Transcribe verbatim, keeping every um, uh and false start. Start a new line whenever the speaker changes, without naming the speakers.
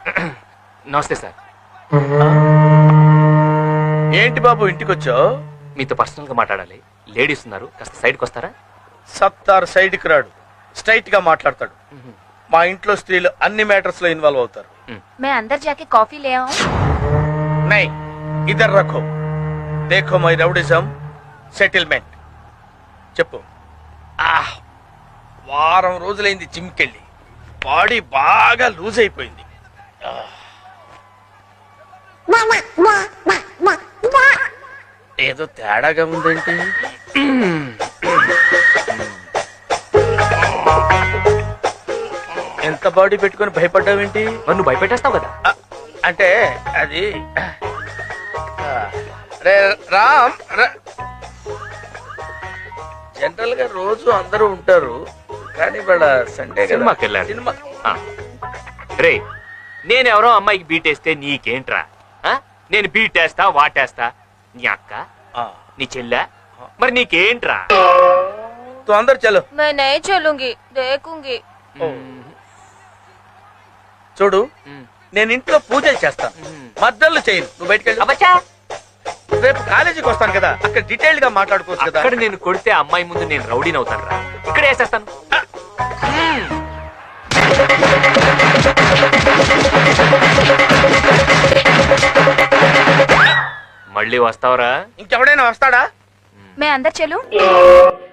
నమస్తే సార్.
ఏంటి బాబు ఇంటికి వచ్చావు?
మీతో పర్సనల్ గా మాట్లాడాలి. లేడీస్ ఉన్నారు, కాస్త సైడ్కి వస్తారా?
సత్తార్ సైడ్కి రాడు, స్ట్రైట్ గా మాట్లాడతాడు. మా ఇంట్లో స్త్రీలు అన్ని మ్యాటర్స్ లో ఇన్వాల్వ్ అవుతారు.
मैं अंदर जाके कॉफी ले आऊं?
నై ఇద్దరు రఖో దేఖో మై రౌడిజం సెటిల్మెంట్. చెప్పు. ఆహ్, వారం రోజులైంది జిమ్కెళ్ళి, బాడీ బాగా లూజ్ అయిపోయింది. ఆహ్. ఏదో తేడాగా ఉందేంటి? ఎంత బాడీ పెట్టుకొని భయపడ్డావేంటి?
మరి నువ్వు భయపెట్టేస్తావు కదా.
ఆ, అంటే అది ఆ, రే రామ్ రా- జనరల్ గా రోజు అందరూ ఉంటారు, కానీ ఇవాళ సండే కదా.
సినిమాకి వెళ్ళాలి.
సినిమా
ఆ. రే, నేనెవరో అమ్మాయికి బీటేస్తే నీకేంట్రా? ఆ? నేను బీటేస్తా వాటేస్తా. నీ అక్క,
ఆ,
నీ చెల్లె, మరి నీకేంట్రా?
తు అందరు చలో.
मैं नहीं चलूंगी, देखूंगी.
చూడు,
మ్.
నేను ఇంట్లో పూజలు చేస్తాను,
మ్.
మద్దళ్ళు చేయను. నువ్వు బయటకు వెళ్ళు.
అబ్బచ్చా,
రేపు కాలేజీకి వస్తాను కదా, అక్కడ డీటెయిల్ గా మాట్లాడుకోవచ్చు కదా.
అక్కడ నేను కొడితే అమ్మాయి ముందు నేను రౌడీని అవుతాను రా. ఇక్కడ వేసేస్తాను. మ్. మళ్ళీ వస్తావరా?
ఇంకెవడైనా వస్తాడా?
मैं अंदर चलूं?